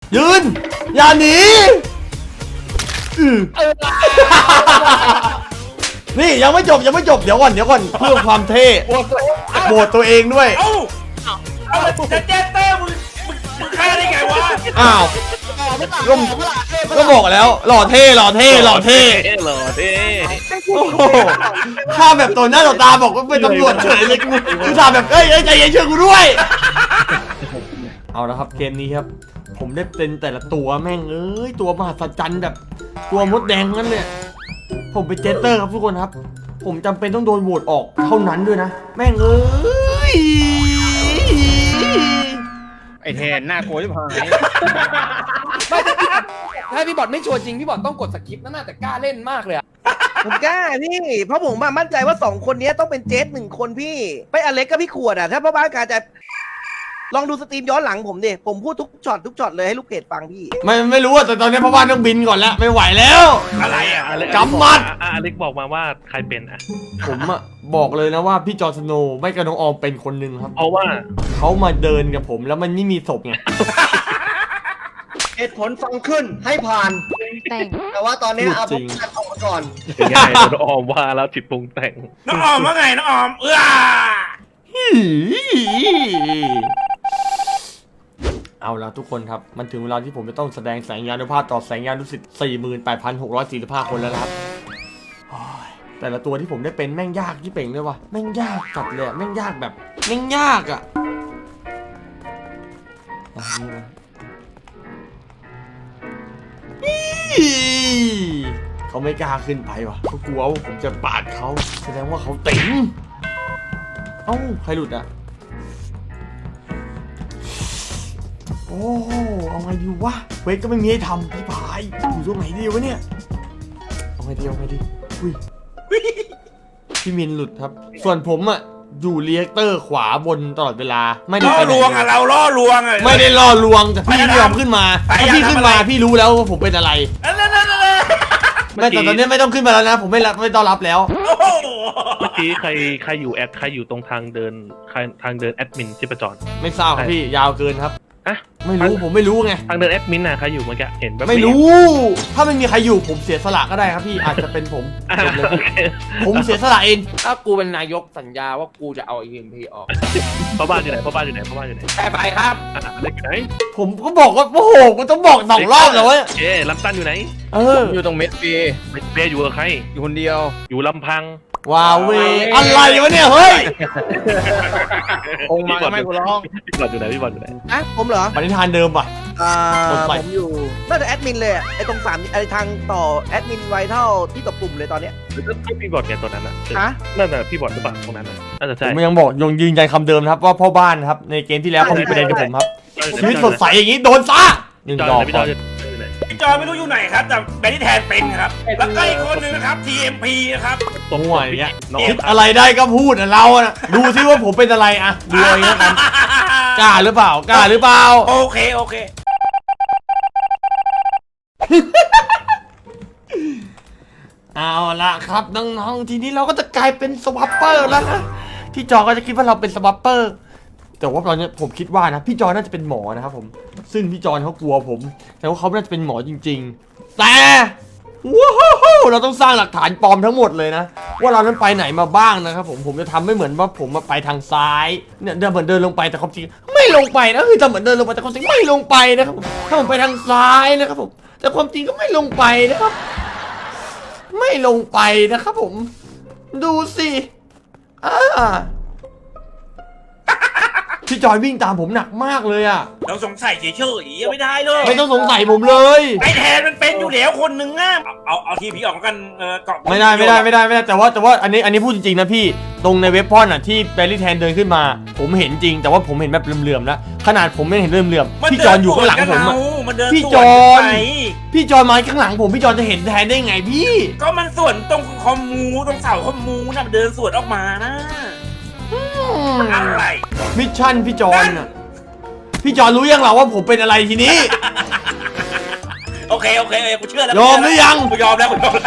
ยืนอย่าหนีนี่ยังไม่จบเดี๋ยวก่อนเพื่อความเท่โหวตตัวเองด้วยเอาจะเจสเตอร์มึงฆ่าได้ไงวะอ้าวก็บอกแล้วหล่อเท่โอ้โหข้าแบบตัวหน้าต่อตาบอกว่าเป็นตำรวจเฉยเลยกูถามแบบใจเย็นเชื่อกูด้วยเอาละครับเกมนี้ครับผมได้เป็นแต่ละตัวแม่งตัวมหัศจรรย์แบบตัวมดแดงนั่นเนี่ยผมเป็นเจสเตอร์ครับทุกคนครับผมจำเป็นต้องโดนโหวตออกเท่านั้นด้วยนะแม่งไอแทนหน้าโกรธที่พายไม่ถ้าพี่บอลไม่ชัวร์จริงพี่บอลต้องกดสกิปนั่นน่ะแต่กล้าเล่นมากเลยอะผมกล้าพี่เพราะผมมั่นใจว่า2คนนี้ต้องเป็นเจส1คนพี่ไปอเล็กกับพี่ขวดอ่ะถ้าพ่อบ้านการจะลองดูสตรีมย้อนหลังผมดิผมพูดทุกช็อตเลยให้ลูกเพจฟังพี่ไม่รู้อะแต่ตอนนี้พ่อบ้านต้องบินก่อนแล้วไม่ไหวแล้วอะไรอ่ะกำมัดอเล็กบอกมาว่าใครเป็นอ่ะผมอะบอกเลยนะว่าพี่จอร์สโนว์ไม่กับน้องออมเป็นคนหนึ่งครับเพราะว่าเขามาเดินกับผมแล้วมันไม่มีศพไงเหตุผลฟังขึ้นให้ผ่านแต่ว่าตอนนี้เอาพวกกันออกมาก่อนง่ายน้องออมว่าแล้วจิตปรุงแต่งน้องออมว่าไงน้องออมเอาละทุกคนครับมันถึงเวลาที่ผมจะต้องแสดงแสงยานุภาพต่อแสงยานุสิทธิ์ 48,645 คนแล้วนะครับแต่ละตัวที่ผมได้เป็นแม่งยากที่เป่งเลยว่ะแม่งยากจัดเลยแม่งยากแบบแม่งยากอ่ะเขาไม่กล้าขึ้นไปว่ะเขากลัวว่าผมจะปาดเขาแสดงว่าเขาติ๋งเอ้าใครหลุดอ่ะโอ้เอาไงดีวะเวทก็ไม่มีให้ทำพี่พายอยู่ตรงไหนดีวะเนี่ยเอาไงดีอุ้ยพี่มินหลุดครับส่วนผมอ่ะอยู่เรียกเตอร์ขวาบนตลอดเวลาไม่ได้ล่อลวงอ่ะเราล่อลวงอ่ะไม่ได้ล่อลวงแต่พี่ไม่ยอมขึ้นมาถ้าพี่ขึ้นมาพี่รู้แล้วว่าผมเป็นอะไรไม่แต่ตอนนี้ไม่ต้องขึ้นมาแล้วนะผมไม่ต้อนรับแล้วเมื่อกี้ใครอยู่ตรงทางเดินแอดมินที่ประจรไม่ทราบครับพี่ยาวเกินครับไม่รู้ผมไม่รู้ไงทางเดินแอดมินน่ะใครอยู่เมื่อกี้เห็นแบบไม่รู้ถ้าไม่มีใครอยู่ผมเสียสละก็ได้ครับพี่อาจจะเป็นผมเสียสละเองถ้ากูเป็นนายกสัญญาว่ากูจะเอา EMP ออกพ่อบ้านอยู่ไหนไปครับเล็กไหนผมก็บอกว่าโอ้โหกูต้องบอก2 รอบแล้วเว้ยลำตันอยู่ไหนอยู่ตรงเมสเบอยู่กับใครอยู่คนเดียวอยู่ลำพังว้าวเวอะไรวะเนี่ยเฮ้ยองมาไม่กูร้องพี่บอลอยู่ไหนผมเหรอปณิธานเดิมป่ะผมอยู่น่าจะแอดมินเลยไอ้ตรง3ไอ้ทางต่อแอดมินไวเท่าที่ตบปุ่มเลยตอนเนี้ยพี่บอลแกตอนนั้นน่ะนั่นน่ะพี่บอลหรือเปล่าตรงนั้นน่าจะใช่ผมยังบอกยืนยันคำเดิมครับว่าพ่อบ้านครับในเกมที่แล้วเขามีประเด็นกับผมครับชีวิตสดใสอย่างนี้โดนซะ1 ดอกพี่จอยไม่รู้อยู่ไหนครับแต่แบนนี่แทนเป็นครับแล้วก็อีกคนนึงนะครับ TMP นะครับตรงหัวอย่างเงี้ยคิดอะไรได้ก็พูดเราอะดูซิว่าผมเป็นอะไรอะดูอย่างเงี้ยกันกล้าหรือเปล่าโอเคเอาละครับน้องๆทีนี้เราก็จะกลายเป็นสวัปเปอร์แล้วนะพี่จอก็จะคิดว่าเราเป็นสวัปเปอร์แต่ว่าตอนนี้ผมคิดว่านะพี่จอน่าจะเป็นหมอนะครับผมซึ่งพี่จอเขากลัวผมแต่ว่าเขาน่าจะเป็นหมอจริงๆแต่ว้าวเราต้องสร้างหลักฐานปลอมทั้งหมดเลยนะว่าเรานั้นไปไหนมาบ้างนะครับผมจะทำไม่เหมือนว่าผมมาไปทางซ้ายเนี่ยเหมือนเดินลงไปแต่ความจริงไม่ลงไปนะคือจะเหมือนเดินลงไปแต่ความจริงไม่ลงไปนะครับถ้าผมไปทางซ้ายนะครับผมแต่ความจริงก็ไม่ลงไปนะครับไม่ลงไปนะครับผมดูสิพี่จอยวิ่งตามผมหนักมากเลยอะเราสงสัยเฉยๆไม่ได้เลยไม่ต้องสงสัยผมเลยไอแทนมันเป็นอยู่แล้วคนหนึ่งอะเอาทีพีออกกันเกาะไม่ได้แต่ว่าอันนี้พูดจริงๆนะพี่ตรงในเว็บพอนอะที่แบลลี่แทนเดินขึ้นมาผมเห็นจริงแต่ว่าผมเห็นแบบเหลื่อมๆแล้วขนาดผมไม่เห็นเหลื่อมๆพี่จอนอยู่ข้างหลังผมอะพี่จอนมาข้างหลังผมพี่จอนจะเห็นแทนได้ไงพี่ก็มันส่วนตรงคอมมูตรงเสาคอมมูน่ะมันเดินสวนออกมานะอะไรมิชชั่นพี่จอนน่ะพี่จอนรู้ยังเหรอว่าผมเป็นอะไรทีนี้โอเคกูเชื่อแล้วยอมหรือยังกูยอมแล้ว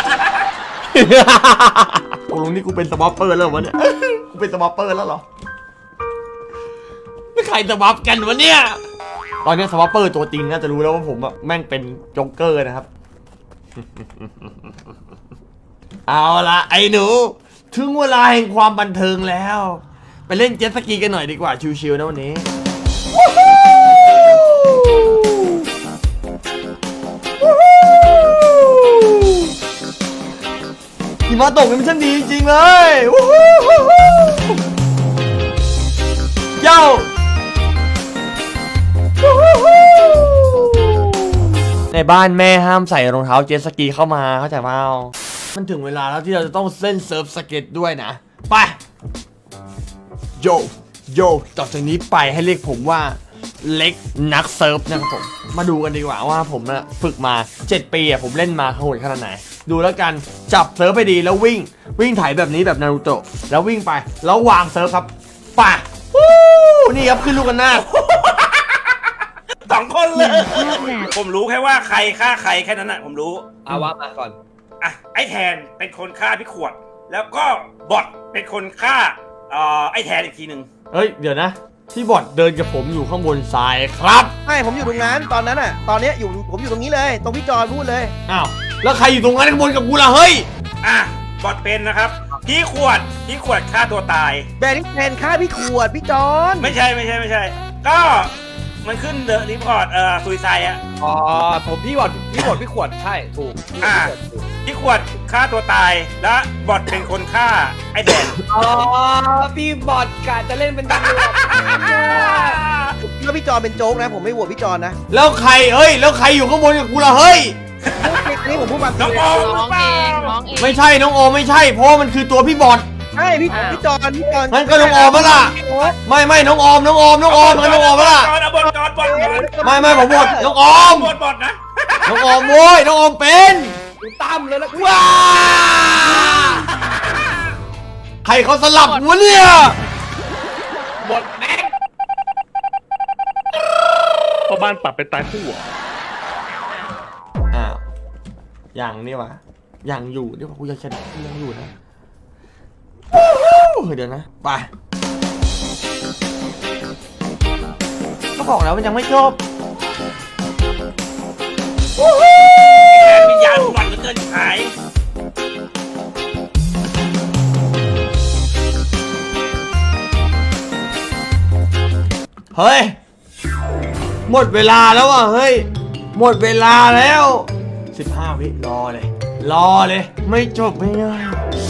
ตกลงนี่กูเป็นสวอปเปอร์แล้ววะเนี่ยกูเป็นสวอปเปอร์แล้วเหรอไม่ใครสวอปกันวะเนี่ยตอนนี้สวอปเปอร์ตัวจริงน่าจะรู้แล้วว่าผมอะแม่งเป็นโจ๊กเกอร์นะครับ เอาละไอ้หนูถึงเวลาแห่งความบันเทิงแล้ว ไปเล่นเจ็ตสกีกันหน่อยดีกว่าชิวๆนะวันนี้หิมะตกนี่มันช่างดีจริงๆเลยเย้าในบ้านแม่ห้ามใส่รองเท้าเจ็ตสกีเข้ามาเข้าใจเปล่ามันถึงเวลาแล้วที่เราจะต้องเล่นเซิร์ฟสเก็ตด้วยนะไปโยต่อจากนี้ไปให้เรียกผมว่าเล็กนักเซิร์ฟนะครับผมมาดูกันดีกว่าว่าผมนะฝึกมา7 ปีผมเล่นมาโหดขนาดไหนดูแล้วกันจับเซิร์ฟไปดีแล้ววิ่งถ่ายแบบนี้แบบนารูโตะแล้ววิ่งไปแล้ววางเซิร์ฟครับไปนี่ครับขึ้นลูกกันหน้า 2 คนเลย ผมรู้แค่ว่าใครฆ่าใครแค่นั้นน่ะผมรู้เอาว่ามาก่อนอ่ะไอ้แทนเป็นคนฆ่าพี่ขวด แล้วก็บอทเป็นคนฆ่าไอ้แทนอีกทีหนึ่งเฮ้ยเดี๋ยวนะที่บอดเดินกับผมอยู่ข้างบนทรายครับใช่ผมอยู่ตรงนั้นตอนนั้นอ่ะตอนเนี้ยผมอยู่ตรงนี้เลยตรงพี่จอนพูดเลยอ้าวแล้วใครอยู่ตรงนั้นข้างบนกับกูล่ะเฮ้ยอ่ะบอทเป็นนะครับพี่ขวดฆ่าตัวตายแบนนี่แทนฆ่าพี่ขวดพี่จอนไม่ใช่ก็มันขึ้นเดอะรีพอร์ตซุยไซอะอ๋อผมพี่บอดพี่ขวดใช่ถูกพี่ขวดฆ่าตัวตายและบอทเป็นคนฆ่าไอ้แทนอ๋อพี่บอดกะจะเล่นเป็นตำรวจแล้วพี่จอนเป็นโจ๊กนะผมไม่โหวตพี่จอนนะแล้วใครเฮ้ยแล้วใครอยู่ข้างบนกับกูล่ะเฮ้ยอันนี้ผมพูดความจริน้องงโอมหรือร้องเปเอล่างร้องเองไม่ใช่น้องโอไม่ใช่เพราะว่ามันคือตัวพี่บอดใช่พี่จอนงั้นก็น้องออมปะล่ะ ไม่น้องออมงั้นน้องออมปะล่ะจอนเอาบอทจอนบอทไม่ผมบอดน้องออมบอทนะน้องออมโว้ยน้องออมเป็นดูตั้มเลยแล้วว้าใครเขาสลับวะเนี่ยบอดแม่งเพราะบ้านปรับเป็นตายคู่อะอ้าวยังนี่วะยังอยู่นี่วะกูยังชนะกูยังอยู่นะเดี๋ยวนะไปก็บอกแล้วมันยังไม่จบแทนวิญญาณหวันเหลือเกินหายเฮ้ยหมดเวลาแล้วอ่ะเฮ้ยหมดเวลาแล้ว15 วิรอเลยไม่จบไม่ง่าย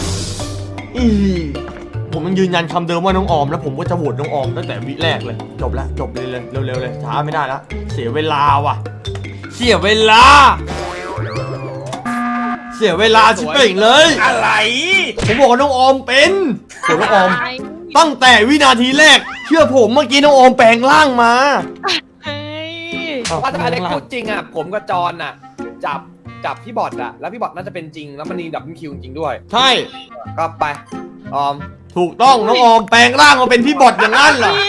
ผมยังยืนยันคำเดิมว่าน้องออมแล้วผมก็จะโหวตน้องออมตั้งแต่วิแรกเลยจบเลยเร็วเลยช้าไม่ได้แล้วเสียเวลาว่ะเสียเวลาชิบเป่งเลยอะไรผมบอกว่าน้องออมเป็นส่วนน้องออมตั้งแต่วินาทีแรกเชื่อผมเมื่อกี้น้องออมแปลงร่างมาเฮ้ยว่าถ้าอเล็กพูดจริงอ่ะผมกับจอนอ่ะจับพี่บอดอ่ะแล้วพี่บอดน่าจะเป็นจริงแล้วมันมีดับเบิลคิวจริงด้วยใช่ก็ไปออมถูกต้องน้องออมแปลงร่างมาเป็นพี่บอดอย่างนั้นเหรอ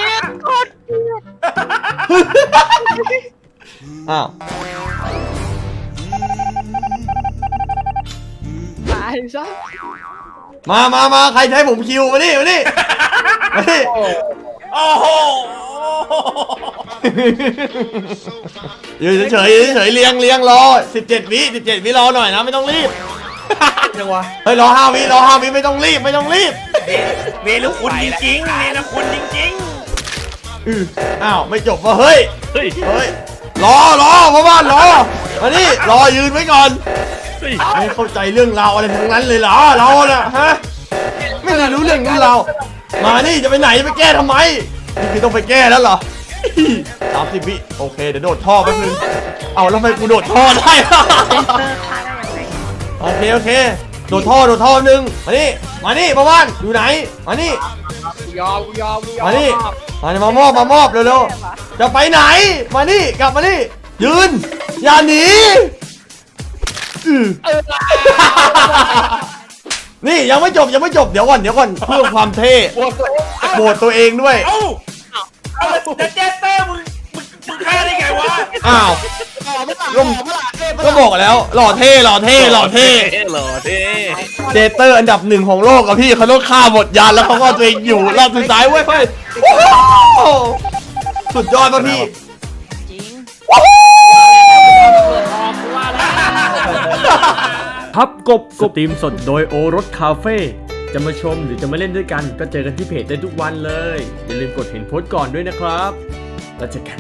อ้าวตายซะมาใครจะให้ผมคิวมานี่โอ้โหยืนเฉยเลี้ยงรอ17 วิรอหน่อยนะไม่ต้องรีบจังวะเฮ้ยรอ5 วิไม่ต้องรีบเวลุคุณจริงๆเวลุคุณจริงอ้าวไม่จบวะเฮ้ยเฮ้ยรอพ่อบ้านรอมานี่รอยืนไว้ก่อนเฮ้ยไม่เข้าใจเรื่องราวอะไรทั้งนั้นเลยเหรอเราน่ะฮะไม่ได้รู้เรื่องนี้เรามานี่จะไปไหนจะไปแก้ทำไมนี่คือต้องไปแก้แล้วเหรอ30 วิโอเคเดี๋ยวโดดท่อแป๊บนึงเอาแล้วทำไมกูโดดท่อได้ โอเคโดดท่อแป๊บนึงมานี่พ่อบ้านอยู่ไหนมานี่กูยอมมานี่มามอบเร็วๆจะไปไหนมานี่กลับมานี่ยืนอย่าหนีนี่ยังไม่จบเดี๋ยวก่อนเพื่อความเท่โบดตัวเองด้วยๆ เอ้าแต่เจสเตอร์มึงฆ่าได้ไงวะอ้าวก็บอกแล้วหล่อเท่หล่อเท่เจเตอร์อันดับ1ของโลกกับพี่เขาต้องฆ่าหมดยานแล้วเขาก็ตัวเองอยู่รอบสุดท้ายเว้ยสุดยอดป่ะพี่ครับกบสตรีมสดโดยโอรสคาเฟ่จะมาชมหรือจะมาเล่นด้วยกันก็เจอกันที่เพจได้ทุกวันเลยอย่าลืมกดเห็นโพสต์ก่อนด้วยนะครับแล้วเจอกัน